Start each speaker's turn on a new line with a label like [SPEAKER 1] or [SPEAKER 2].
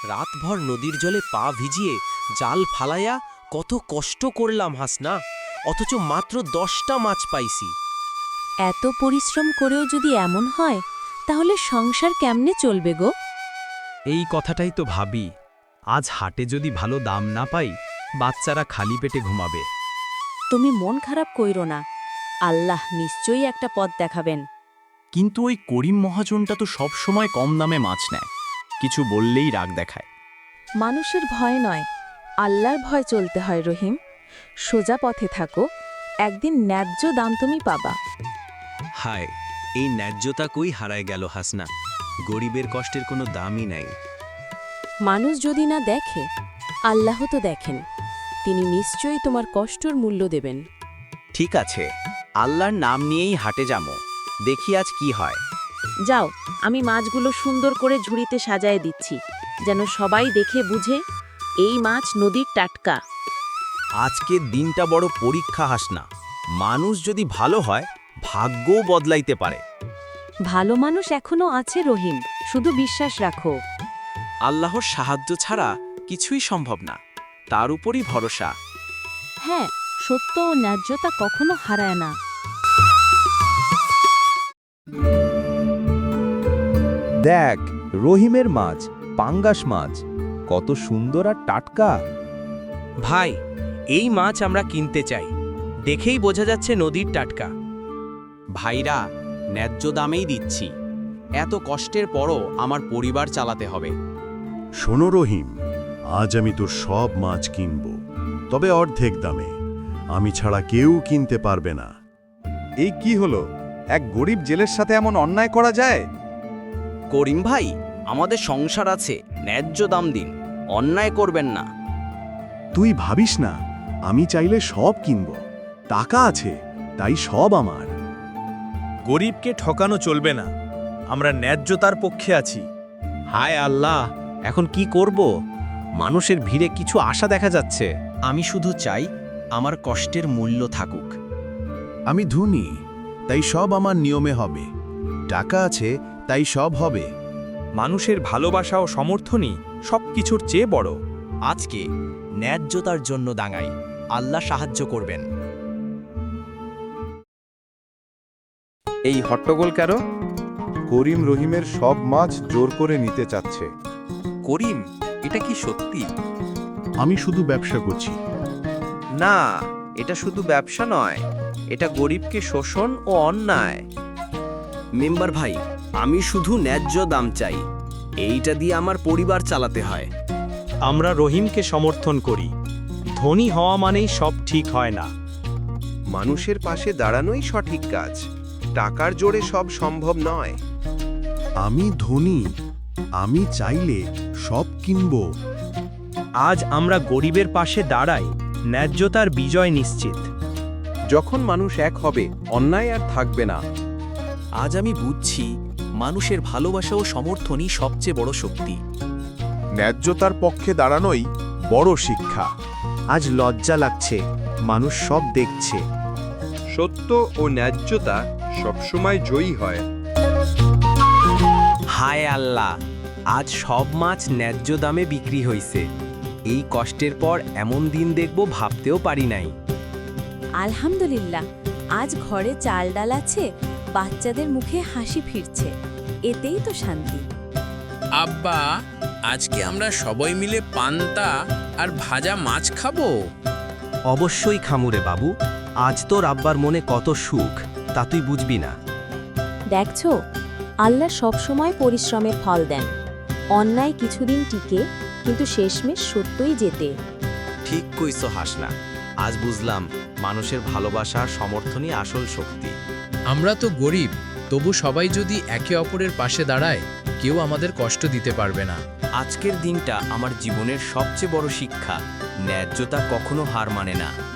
[SPEAKER 1] রাতভর নদীর জলে পা ভিজিয়ে জাল ফালাইয়া কত কষ্ট করলাম হাসনা, অথচ মাত্র 10টা মাছ পাইছি।
[SPEAKER 2] এত পরিশ্রম করেও যদি এমন হয় তাহলে সংসার কেমনে চলবে গো?
[SPEAKER 3] এই কথাটাই তো ভাবি, আজ হাটে যদি ভালো দাম না পাই, বাচ্চারা খালি পেটে ঘুমাবে।
[SPEAKER 2] তুমি মন খারাপ কইরো না, আল্লাহ নিশ্চয়ই একটা পথ দেখাবেন।
[SPEAKER 3] কিন্তু ওই করিম মহাজনটা তো সব সময় কম দামে মাছ নেয়, কিছু বললেই রাগ দেখায়।
[SPEAKER 2] মানুষের ভয় নয়, আল্লাহর ভয় চলতে হয় রহিম। সোজা পথে থাকো, একদিন ন্যায্য দাম তুমি পাবা।
[SPEAKER 1] হায়, এই ন্যায্যতা কই হারায় গেল হাসনা। গরিবের কষ্টের কোনো দামই নাই।
[SPEAKER 2] মানুষ যদি না দেখে, আল্লাহ তো দেখেন, তিনি নিশ্চয়ই তোমার কষ্টর মূল্য দেবেন।
[SPEAKER 4] ঠিক আছে, আল্লাহর নাম নিয়েই হাটে যাবো, দেখি আজ কি হয়।
[SPEAKER 2] যাও, আমি মাছগুলো সুন্দর করে ঝুড়িতে সাজায় দিচ্ছি, যেন সবাই দেখে বুঝে এই মাছ নদীর টাটকা।
[SPEAKER 4] আজকের দিনটা বড় পরীক্ষা হাসনা। মানুষ যদি ভালো হয়, ভাগ্যও বদলাইতে পারে।
[SPEAKER 2] ভালো মানুষ এখনো আছে রহিম, শুধু বিশ্বাস রাখো।
[SPEAKER 4] আল্লাহর সাহায্য ছাড়া কিছুই সম্ভব না, তার উপরই ভরসা।
[SPEAKER 2] হ্যাঁ, সত্য ও ন্যায্যতা কখনো হারায় না।
[SPEAKER 5] দেখ, রহিমের মাছ, পাঙ্গাস মাছ, কত সুন্দর আর টাটকা।
[SPEAKER 1] ভাই, এই মাছ আমরা কিনতে চাই, দেখেই বোঝা যাচ্ছে নদীর টাটকা।
[SPEAKER 4] ভাইরা, ন্যায্য দামেই দিচ্ছি। এত কষ্টের পরও আমার পরিবার চালাতে হবে।
[SPEAKER 6] শোনো রহিম, আজ আমি তোর সব মাছ কিনব, তবে অর্ধেক দামে। আমি ছাড়া কেউ কিনতে পারবে না।
[SPEAKER 5] এই কি হলো? এক গরিব জেলের সাথে এমন অন্যায় করা যায়?
[SPEAKER 4] করিম ভাই, আমাদের সংসার আছে, ন্যায্য দাম দিন, অন্যায় করবেন না।
[SPEAKER 6] তুই ভাবিস না, আমি চাইলে সব কিনব। টাকা আছে, তাই সব আমার।
[SPEAKER 3] গরিবকে ঠকানো চলবে না, আমরা ন্যায্যতার পক্ষে আছি।
[SPEAKER 1] হায় আল্লাহ, এখন কি করব? মানুষের ভিড়ে কিছু আশা দেখা যাচ্ছে।
[SPEAKER 4] আমি শুধু চাই আমার কষ্টের মূল্য থাকুক।
[SPEAKER 6] আমি ধনী, তাই সব আমার নিয়মে হবে। টাকা আছে, তাই সব হবে।
[SPEAKER 3] মানুষের ভালোবাসা ও সমর্থনই সবকিছুর চেয়ে বড়।
[SPEAKER 4] আজকে ন্যায্যতার জন্য দাঁড়াই, আল্লাহ সাহায্য করবেন।
[SPEAKER 5] এই হট্টগোল কেন?
[SPEAKER 7] করিম রহিমের সব মাছ জোর করে নিতে চাচ্ছে।
[SPEAKER 1] করিম, এটা কি সত্যি?
[SPEAKER 6] আমি শুধু ব্যবসা করছি।
[SPEAKER 1] না, এটা শুধু ব্যবসা নয়, এটা গরিবকে শোষণ ও অন্যায়।
[SPEAKER 4] মেম্বার ভাই, আমি শুধু ন্যায্য দাম চাই, এইটা দিয়ে আমার পরিবার চালাতে হয়।
[SPEAKER 3] আমরা রহিমকে সমর্থন করি। ধনী হওয়া মানেই সব ঠিক হয় না।
[SPEAKER 7] মানুষের পাশে দাঁড়ানোই সঠিক কাজ, টাকার জোরে সব সম্ভব নয়।
[SPEAKER 6] আমি ধনী, আমি চাইলে সব কিনব।
[SPEAKER 3] আজ আমরা গরিবের পাশে দাঁড়াই, ন্যায্যতার বিজয় নিশ্চিত।
[SPEAKER 7] যখন মানুষ এক হবে, অন্যায় আর থাকবে না।
[SPEAKER 4] আজ আমি বুঝছি, মানুষের ভালোবাসা ও সমর্থনই সবচেয়ে বড় শক্তি।
[SPEAKER 7] ন্যায্যতার পক্ষে দাঁড়ানোই বড় শিক্ষা।
[SPEAKER 5] আজ লজ্জা লাগছে, মানুষ সব দেখছে।
[SPEAKER 7] সত্য ও ন্যায্যতা সবসময় জয়ী হয়।
[SPEAKER 1] হায় আল্লাহ, আজ সব মাছ ন্যায্য দামে বিক্রি হইছে। এই কষ্টের পর এমন দিন দেখব ভাবতেও পারি নাই।
[SPEAKER 2] আলহামদুলিল্লাহ, আজ ঘরে চাল ডাল আছে, বাচ্চাদের মুখে হাসি ফিরছে, এতেই তো শান্তি।
[SPEAKER 8] আব্বা, আজকে আমরা সবাই মিলে পান্তা আর ভাজা মাছ খাবো।
[SPEAKER 1] অবশ্যই খামুরে বাবু, আজ তোর আব্বার মনে কত সুখ, তা তুই বুঝবি না।
[SPEAKER 2] দেখছো, আল্লাহ সবসময় পরিশ্রমের ফল দেন। অন্যায় কিছুদিন টিকে, কিন্তু শেষমেশ সত্যই জেতে।
[SPEAKER 4] ঠিক কইছো হাসনা, আজ বুঝলাম মানুষের ভালোবাসা আর সমর্থনই আসল শক্তি।
[SPEAKER 8] আমরা তো গরিব, তবু সবাই যদি একে অপরের পাশে দাঁড়ায়, কেউ আমাদের কষ্ট দিতে পারবে না।
[SPEAKER 4] আজকের দিনটা আমার জীবনের সবচেয়ে বড় শিক্ষা, ন্যায্যতা কখনো হার মানে না।